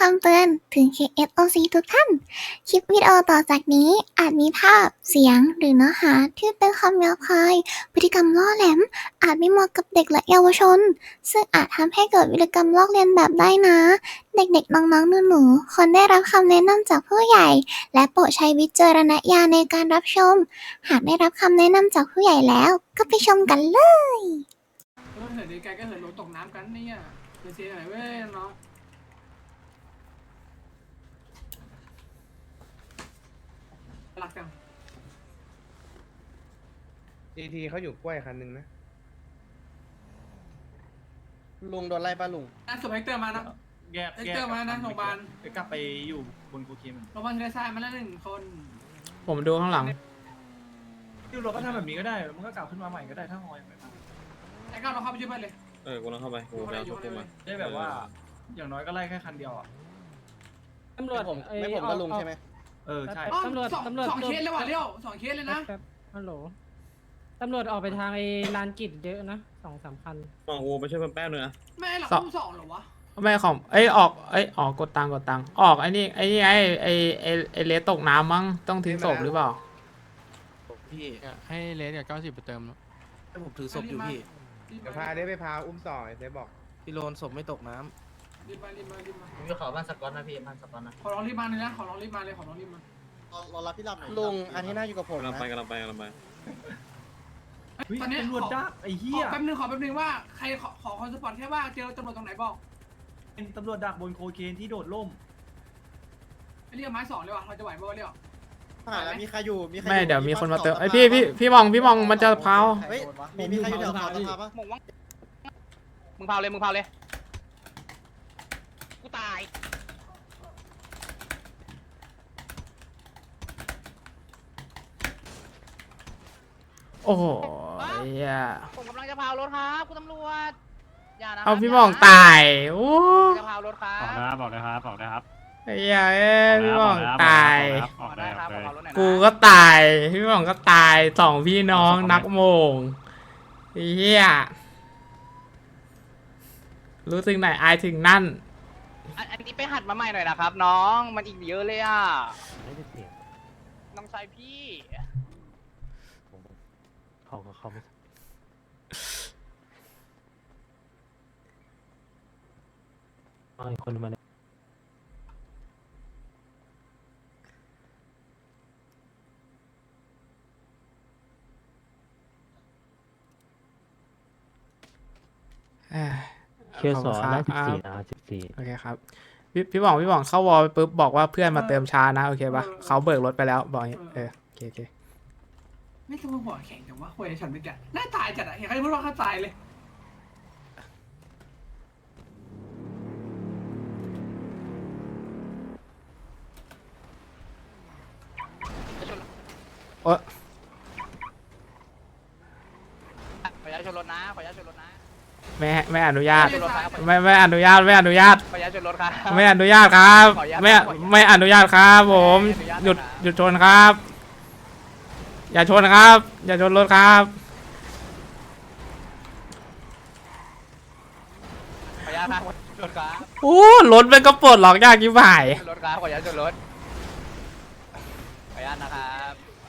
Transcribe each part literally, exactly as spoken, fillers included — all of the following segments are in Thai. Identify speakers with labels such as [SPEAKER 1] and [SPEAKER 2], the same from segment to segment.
[SPEAKER 1] ำเตือนถึง เค เอส โอ ซี ทุกท่าน คลิปวิดีโอต่อจากนี้อาจมีภาพ เสียง หรือเนื้อหาที่เป็นคำหยาบคาย พฤติกรรมล่อแหลม อาจไม่เหมาะกับเด็กและเยาวชน ซึ่งอาจทำให้เกิดวิธีกรรมลอกเลียนแบบได้นะ เด็กๆ น้องๆ หนูๆ ควรได้รับคำแนะนำจากผู้ใหญ่ และโปรดใช้วิจารณญาณในการรับชม หากได้รับคำแนะนำจากผู้ใหญ่แล้ว ก็ไปชมกันเลย
[SPEAKER 2] รถเหินไกลๆก็เหินลงตกน้ำกันเนี่ยเสียเสียหน่อยเว้ยน้องรักจัง
[SPEAKER 3] ทีทีเขาอยู่กล้วยคันหนึ่งนะ
[SPEAKER 4] ลุงโดนไล่ป้าลุง
[SPEAKER 2] น่าสมเฮกเตอร์มานะ
[SPEAKER 5] แยก
[SPEAKER 2] เอ็กเตอร์มานะโรงพยาบาล
[SPEAKER 5] ไปกลับไปอยู่บนโคเคน
[SPEAKER 2] โรงพยาบาลเทเลซ่ามาแล้วหนึ่งคน
[SPEAKER 6] ผมดูข้างหลัง
[SPEAKER 5] ที่เราก็ทำแบบนี้ก็ได้มันก็กลับขึ้นมาใหม่ก็ได้ถ้าหอยไป
[SPEAKER 2] ไอ้ก้าวเราเข้าไปช่วยเพื่อนเลย
[SPEAKER 7] เออกูลองเข้าไปกูไปเอาตัวกูมา
[SPEAKER 5] ได้แบบว่า อย่างน้อยก็ไล่แค่คันเดียวอ่ะ
[SPEAKER 8] ตำรวจ
[SPEAKER 4] ไม่ผม
[SPEAKER 8] เอ้ย
[SPEAKER 4] ไม่ผมก็ลุงใช่ไหม
[SPEAKER 5] เออใช่
[SPEAKER 2] อ๋อ
[SPEAKER 8] ตำรวจ
[SPEAKER 2] สอง
[SPEAKER 8] ตำรวจ
[SPEAKER 2] สองเคสเลยว่ะเลี้ยวสองเคสเลยนะ
[SPEAKER 8] แป๊บฮัลโหลตำรวจออกไปทางไอ้ลานกิจเยอะนะสองสามคัน
[SPEAKER 7] มองกูไปช่วยเพื่อนแป๊บนึงนะ
[SPEAKER 2] ไม่หรอก
[SPEAKER 6] สอง
[SPEAKER 2] อุ้มสองเหรอวะ
[SPEAKER 6] ไม่ของเอ้ยออกเอ้ยออกกดตังค์กดตังค์ออกไอ้นี่ไอ้นี่ไอ้ไอ้ไอ้ไอ้เลสตกน้ำมั้งต้องทิ้งศพหรือเปล่า
[SPEAKER 9] พี่
[SPEAKER 10] ให้เลสกับเก้าสิบไปเติม
[SPEAKER 9] ให้ผมถือศพอยู่พี่
[SPEAKER 2] รีบ
[SPEAKER 3] เดี๋ยว
[SPEAKER 2] มา
[SPEAKER 3] พาได้ไปพาอุ้มต่อไอ้เซฟบอก
[SPEAKER 9] พี่โลนศพไม่ตกน้ำ
[SPEAKER 2] รีบมารีบมารีบมา
[SPEAKER 9] ผมจะขอบ้านสกอตนะพี่บ้านสกอตนะ
[SPEAKER 2] ขอร้องรีบมาเลยนะขอร้องรีบมาเลยขอร้องรีบมา
[SPEAKER 4] รอรับพี่รับหน่อยลุงอันที่น่าอยู่กับผม
[SPEAKER 7] กำลัง
[SPEAKER 4] นะ
[SPEAKER 7] ไปกำลังไปกำลังไป
[SPEAKER 5] เฮ้ย
[SPEAKER 2] ตอนนี้
[SPEAKER 5] ตำรวจ
[SPEAKER 2] ขอ
[SPEAKER 5] จ้าไอ้
[SPEAKER 2] ข
[SPEAKER 5] เหี้
[SPEAKER 2] อย แป๊บนึงขอแป๊บนึงว่าใครขอขอคอนสปอร์ตแค่ว่าเจอตำรวจตรงไหนบอก
[SPEAKER 5] เป็นตำรวจดักบนโคเคนที่โดดร่ม
[SPEAKER 2] ไอ้เรียกไม้สองเลยว่ะเราจะไหวป่าวะเรียก
[SPEAKER 4] ผ่านแล้วมีใครอยู่มีใครอ
[SPEAKER 6] ไม่เดี๋ยวมีคนมาเติม
[SPEAKER 4] ส
[SPEAKER 6] ไอยพี่พี่พี่มองพี่มองมันจะเผา
[SPEAKER 4] เฮ้ยมีมีใครอยู่แถวสภาสภาปะ
[SPEAKER 9] มึงว่างมึงเผาเลยมึงเผาเลยกูตาย
[SPEAKER 6] โอ้โหเหี้ย
[SPEAKER 9] ผมกำลังจะเผารถครับคุณตำรวจอย่านะ
[SPEAKER 6] เอาพี่มองตายโอ้
[SPEAKER 9] จะเผารถครับ
[SPEAKER 5] บอกนะครับบอกนะครับ
[SPEAKER 6] ไอ้เหี้ยเอ้ยพี่มองตาย
[SPEAKER 9] บอกได้ครับผมเผารถหน่อยนะ
[SPEAKER 6] กูก็ตายพี่มองก็ตายสองพี่น้องนักโมงไอ้เหี้ยรู้ถึงไหนอายถึงนั่น
[SPEAKER 9] อันอันนี้ไปหัดมาใหม่หน่อยนะครับ น้องมันอีกเยอะเลยอ่ะน้องชายพี่
[SPEAKER 10] เขาก็เขาไม่เอาอีกคนมาเลย
[SPEAKER 6] เอ้ย
[SPEAKER 10] เคสสอง
[SPEAKER 6] ขบ
[SPEAKER 10] ได้
[SPEAKER 6] คุณ
[SPEAKER 10] สิบ
[SPEAKER 6] ครับ
[SPEAKER 10] สี่นะสิบสี่
[SPEAKER 6] โอเคครับพี่พี่บอกพี่บอกเข้าวอลไปปุ๊บบอกว่าเพื่อนมาเติมช้านะโอเคปะเขาเบิกรถไปแล้วบอกอย่างงี้เออโอเคโอเค
[SPEAKER 2] ไม่ต้องมาหัวแข็งจังวะคุยฉันเมื่อกี้น่าตายจัดอะเห็นใครพูดว่าเขาตายเลย
[SPEAKER 6] โอ๊ย
[SPEAKER 9] ขออนุญาตชนรถนะขออนุญาตชนรถนะ
[SPEAKER 6] ไม่ไม่อนุญาต
[SPEAKER 9] ชนรถครับ
[SPEAKER 6] ไม่ไม่อนุญาตไม่อนุญาต
[SPEAKER 9] ขออนุญาตชนรถครับ
[SPEAKER 6] ไม่อนุญาตครับ
[SPEAKER 9] ขออนุญาต
[SPEAKER 6] ไม่
[SPEAKER 9] ขออนุญาต
[SPEAKER 6] ไม่อนุญาตครับผม
[SPEAKER 9] ไม่อนุญาต
[SPEAKER 6] หยุด
[SPEAKER 9] นะ
[SPEAKER 6] หยุดชนครับ อย่าชนครับ อย่าชนรถครับ
[SPEAKER 9] ขออนุญาตครับชนรถครับ
[SPEAKER 6] โอ้รถมันก็ปลดล็อกยากยิ่งบ่าย
[SPEAKER 9] ชนรถครับขออนุญาตชนรถขออนุญาตนะครับ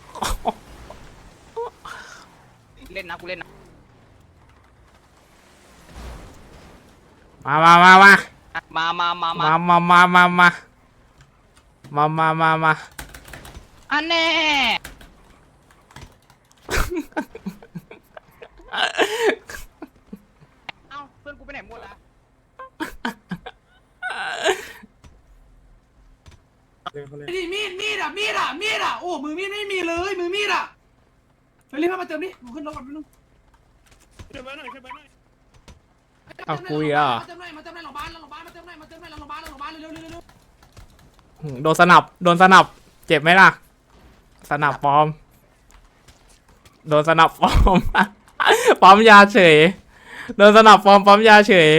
[SPEAKER 9] เล่นนะกูเล่นนะ
[SPEAKER 6] มามามามา
[SPEAKER 9] มามามามา
[SPEAKER 6] มามามามามามามามามา
[SPEAKER 9] อันแน่เอ้าเพื่อนกูไปไหนหมดละ
[SPEAKER 2] ไอ้นี่มีดมีดอะมีดอะมีดอะโอ้มือมีดไม่มีเลยมือมีดอะเฮ้ยรีบมาเติมดิมึงขึ้นรถก่อนนิดนึง
[SPEAKER 6] เอาคุยอ่ะ
[SPEAKER 2] มาเติมหน่อยมาเติมหน่อยโรงพยาบาลโรงพยาบาลมาเติมหน่อยมาเติมหน่อยโรงพยาบาลโรงพยาบาลเร็วเร็วเร็ว
[SPEAKER 6] โดนสนับโดนสนับเจ็บไหมล่ะสนับปลอมโดนสนับปลอม ปลอมยาเฉยโดนสนับปลอมปลอมยาเฉย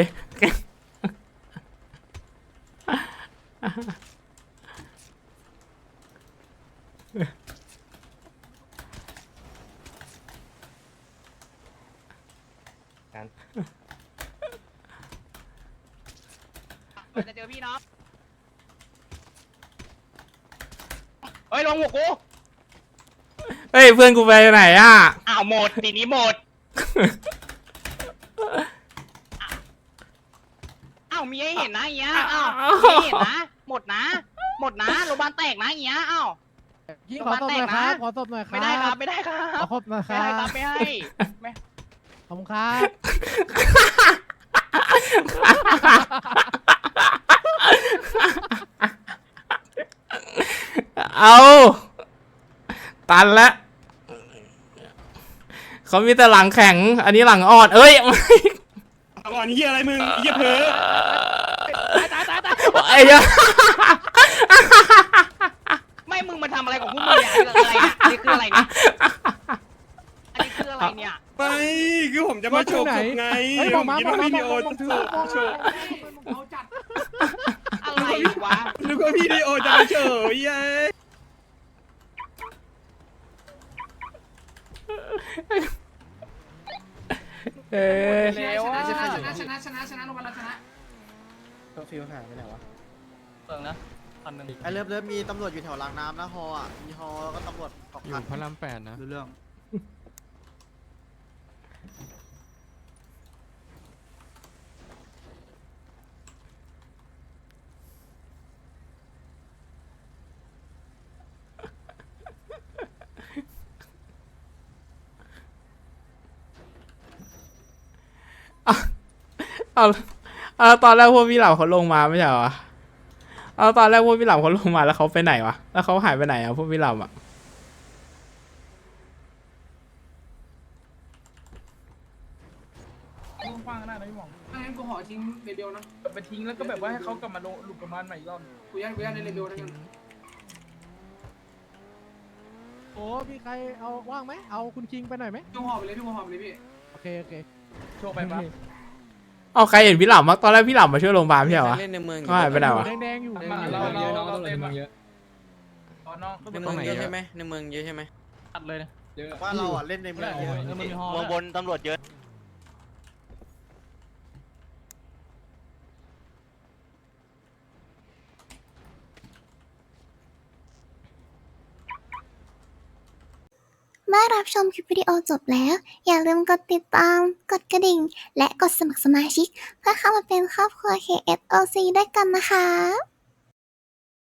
[SPEAKER 9] จะเจอพี่น้องเฮ้ยลงหัวกู
[SPEAKER 6] เฮ้ยเพื่อนกูไปไหนอ่ะ
[SPEAKER 9] อ้าวหมดทีนี้หมดอ้าวมีให้เห็นนะเงี้ยอ้าวมีให้เห็นนะหมดนะหมดนะโรงพยาบาลแตกนะเงี้ยอ้าว
[SPEAKER 8] ยิงขอศพหน่อยครับขอศพหน่อยครับ
[SPEAKER 9] ไม่ได้ครับไม่ได้ครับ
[SPEAKER 8] ขอศพหน่อยค
[SPEAKER 9] ไม่
[SPEAKER 8] รั
[SPEAKER 9] ให้ครับ
[SPEAKER 8] บ
[SPEAKER 9] ไม่ให้ไม่
[SPEAKER 8] ขอบคุณครับ
[SPEAKER 6] เอาตันแล้วเขามีแต่หลังแข็ง อันนี้หลังอ่อน เอ้ย
[SPEAKER 7] ก่อนเฮียอะไรมึงเฮียเพ้อ
[SPEAKER 6] ไอ้เหี้ย
[SPEAKER 9] ไม่มึงมาทำอะไรของพวกมึงเนี่ยอะไรเนี่ยอันนี้คืออะไรเนี่ยอันนี้คืออะไรเนี่ย
[SPEAKER 7] ไม่คือผมจะมาโชว์ศพไง
[SPEAKER 8] เฮ้ย
[SPEAKER 7] ผ
[SPEAKER 8] ผม
[SPEAKER 7] ม
[SPEAKER 8] มา
[SPEAKER 7] คิด
[SPEAKER 8] ผม
[SPEAKER 7] ว่า
[SPEAKER 8] มา
[SPEAKER 7] วิดีโอ
[SPEAKER 8] ผม
[SPEAKER 7] จะ
[SPEAKER 8] ถือ
[SPEAKER 7] โชว์
[SPEAKER 2] เขาจัด
[SPEAKER 9] อะไรวะ
[SPEAKER 7] นึกว่าวิดีโอจะมาโชว์เย้ย
[SPEAKER 6] เอ้ย
[SPEAKER 2] ชนะชนะชนะชนะชนะชนะลงมาแล้วชนะ
[SPEAKER 4] ก็ฟิวหายไปไหนวะ
[SPEAKER 9] เปิงนะพันหนึ่ง
[SPEAKER 4] ไอเลิฟเลิฟมีตำรวจอยู่แถวรางน้ำนะฮออ่ะมีฮอแล้วก็ตำรวจสอง
[SPEAKER 10] อยู่
[SPEAKER 4] คัน
[SPEAKER 10] พระรามแปดนะ
[SPEAKER 4] รู้เรื่อง
[SPEAKER 6] เอาเอาตอนแรกพวกพี่เหล่าเขาลงมาไม่ใช่เหรอเอาตอนแรกพวกพี่เหล่าเขาลงมาแล้วเขาไปไหนวะ แล้วเขาหายไปไหนอ่ะพวกพี่เหล่าอ่ะ
[SPEAKER 5] กว้างๆก็ได้นะพี่หมอง
[SPEAKER 2] ไม่งั้นกูขอทิ้งเรเบลนะ
[SPEAKER 5] แบบไปทิ้งแล้วก็แบบว่าให้เขากลับมาลงหลุดกลับมาใหม่อีกรอบ
[SPEAKER 2] กูยัดกูยัดในเรเบลนะกัน
[SPEAKER 8] โอ้มีใครเอาว่างไหมเอาคุณคิงไปหน่อยไหม
[SPEAKER 2] พี่หอบไปเลยพี่หอบไปเลยพี่
[SPEAKER 8] โอเคโอเค
[SPEAKER 5] โชว์ไปปะ
[SPEAKER 6] เอาใครเห็นพี่เหล่ามั้งตอนแรกพี่เหล่ามาช่วยโรงพยาบาลไม่ใช่เหรอวะ
[SPEAKER 4] เล่นในเมือง
[SPEAKER 6] เขาหายไปไหนวะ
[SPEAKER 8] แดงๆอยู่
[SPEAKER 5] มาเราเราเราเต็มอะตอนน้อง
[SPEAKER 4] ในเมืองเยอะใช่ไหมในเมืองเยอะใช่ไหม
[SPEAKER 5] ตัดเลยนะ
[SPEAKER 4] ว่าเราอ่ะเล่นในเมืองเยอะ
[SPEAKER 5] เออมันมีฮอ
[SPEAKER 9] เมืองบนตำรวจเยอะ
[SPEAKER 1] เมื่อรับชมคลิปวิดีโอจบแล้ว อย่าลืมกดติดตาม กดกระดิ่ง และกดสมัครสมาชิก เพื่อเข้ามาเป็นครอบครัว เค เอส โอ ซี ด้วยกันนะคะ